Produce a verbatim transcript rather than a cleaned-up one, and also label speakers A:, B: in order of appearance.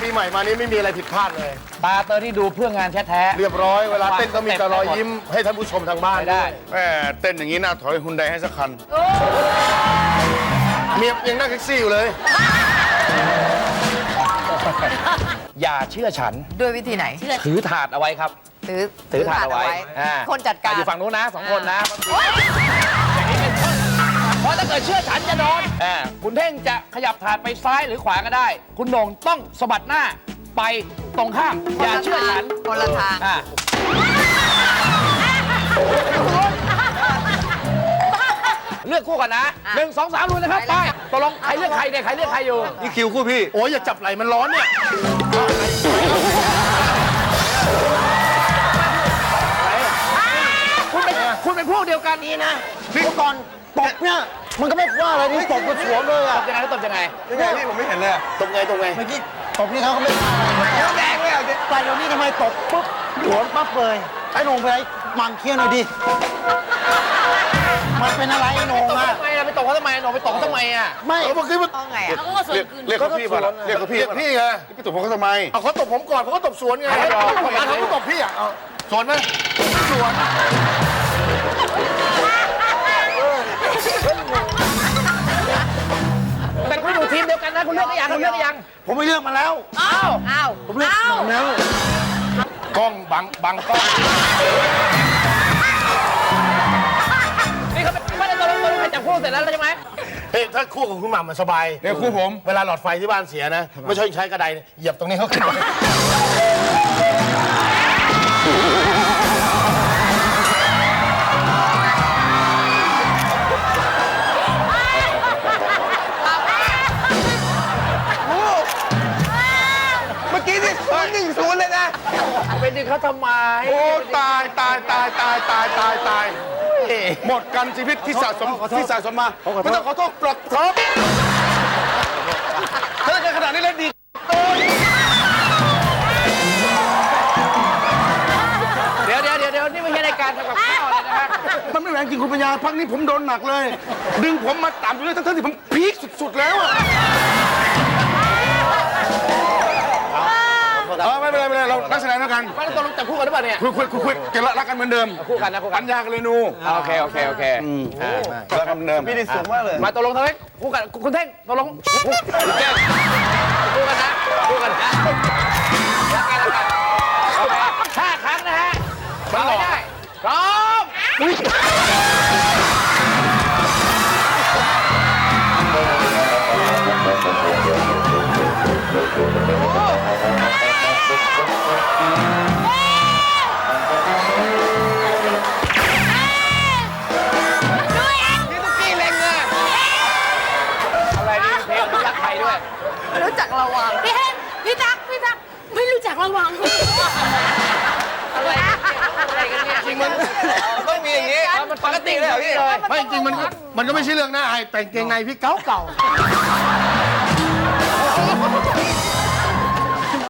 A: ปีใหม่มานี้ไม่มีอะไรผิดพลาดเลย
B: ตาเตอร์ที่ดูเพื่องานแท้ๆ
A: เรียบร้อยเวลาเต้นต้องมีแต่รอยยิ้มให้ท่านผู้ชมทางบ้าน
B: ได้
C: แม่เต้นอย่างนี้น่าถอยฮุนไดให้สักคัน
A: เมียยังนั่งแท็กซี่อยู่เลย
B: อย่าเชื่อฉัน
D: ด้วยวิธีไหน
B: ถือถาดเอาไว้ครับ
D: ถือ
B: ถือถาดเอาไว้อ่า
D: คนจัดการ
B: อยู่ฝั่งนู้นนะสองคนนะอย่างนี้เป็นต้นเพราะถ้าเกิดเชื่อฉันจะโดนอ่าคุณเท่งจะขยับถาดไปซ้ายหรือขวาก็ได้ คุณโหน่งต้องสะบัดหน้าไปตรงข้าม อย่าเชื่อฉัน
D: คนละทาง
B: อ่าเลือกคู่ก่อนนะหนึ่งสองสามลุยนะครับไปตกลงใครเลือกใครเนี่ยใครเลือกใครอยู่
C: นี่คิวคู่พี่
A: โอ้ยอย่าจับไหลมันร้อนเนี่ย
B: คุณเป็นคุณเป็นพวกเดียวกันนี้นะ
A: พี่ก่อนตบเนี่ยมันก็ไม่ว่าอะไรนี่ตบมันสวนเลย
B: ต
A: อ่ะ
B: บยังไงตบยังไง
C: ยังไงพี่ผมไม่เห็นเลย
A: ตบไงตบไงเมื่อกี้ตบนี่เขาก็ไม่ว่าอะไร
C: เดี๋ยวแดงเลยอ่ะ
A: แต่เดี๋ยวนี้ทำไมตบปุ๊บสวนปั๊บเลยไอ้หนงไปมันเคี้ยวหน่อยดิมันเป็นอะไรไอ้หนง
B: ตบ
A: อ่ะ
B: ทำไมอะไปตบเขาทำไมหนูไปตบเขาทำไมอ่ะ
A: ไม่เมื่อกี้มัน
D: เอาไงอ่ะ
C: เรียกเรียกเขาพี่ป่ะล่ะเรียกเขาพี่
A: เรียกพี่ไง
C: พี่ตบผมเขาทำไม
A: เอาเขาตบผมก่อนผมก็ตบสวนไงเขาก็ตบพี่อ่ะเอาสวนไหมสวน
B: แต่คุณอยู่ทีมเดียวกันนะคุณเลือกได้ยังคุณเลือกได้ยัง
A: ผมไม่เลือกมาแล้ว
B: อ้าว
D: อ้าว
A: ผมเลือก
D: อ้าว
A: มาแล้ว
C: กล้องบังบังกล้อง
B: นี่เขาไม่ได้ตกลงตกลงใครจับคู่เสร็จแล้วใช่ไหม
A: เฮ้ยถ้าคู่กับคุณหม่ำมันสบาย
C: เนี่ยคู่ผม
A: เวลาหลอดไฟที่บ้านเสียนะ ไม่ใช่ใช้กระไดเหยียบตรงนี้เขาขึ้นไป
C: เมื่อกี้นี่ศูนย์หนึ่งศูนย์เลยนะ
B: ไปดึงเขาทำไม
C: โอ้ตายตายตายตายตายตายตายหมดกันชีวิตที่สะสมที่สะสมมาไม่ต้องขอโทษปลดท็อปถ้าเกิดขนาดนี้แล้วดี
B: เดี๋ยวเดี๋ยวเดี๋ยวเดี๋ยวนี่ไม่ใช่รายการทำกับข้าวเลยนะฮะ
C: มันไม่แรงจริงคุณปัญญาพักนี้ผมโดนหนักเลย ดึงผมมาต่ำเลยทั้งๆที่ผมพีคสุดๆแล้วอะเออไม่เป็นไรไม่เป็นไรเรานักแสดงแล้วกัน
B: ไม่ได้ตกลงจับคู่กันหรือเปล่าเนี่ย
C: คุยคุยคุยคุยเกลรักกันเหมือนเดิม
B: คู่กันนะคู่กั
C: ปั
B: น
C: ญญากันเลยนู
B: โอเคโอเคโอเคอ่า
C: รักกันเหมือนเดิมพี่นี่สูงมากเลย
B: มาตกลงทำไมคู่กันคุณเท่งตกลงแก้คู่กันนะคู่กันนะรักกันรักกันโอเคห้าครั้งนะฮะมาไม่ได้พร้อมนี่ตุ๊กกี้เล็งอะอะไรนี่เพลงรักใครด้วย
D: ไม่รู้จักระวัง
E: พี่เฮงพี่ตั๊กพี่ตั๊กไม่รู้จักระวัง
B: อะไรอะไรกันเนี่ยจริงมันต้องมีอย่างนี้มันปกติเลยเหรอพี่
A: ไม่จริงมันก็มันก็ไม่ใช่เรื่องน่าอายแต่งเกงในพี่เก่าเก่า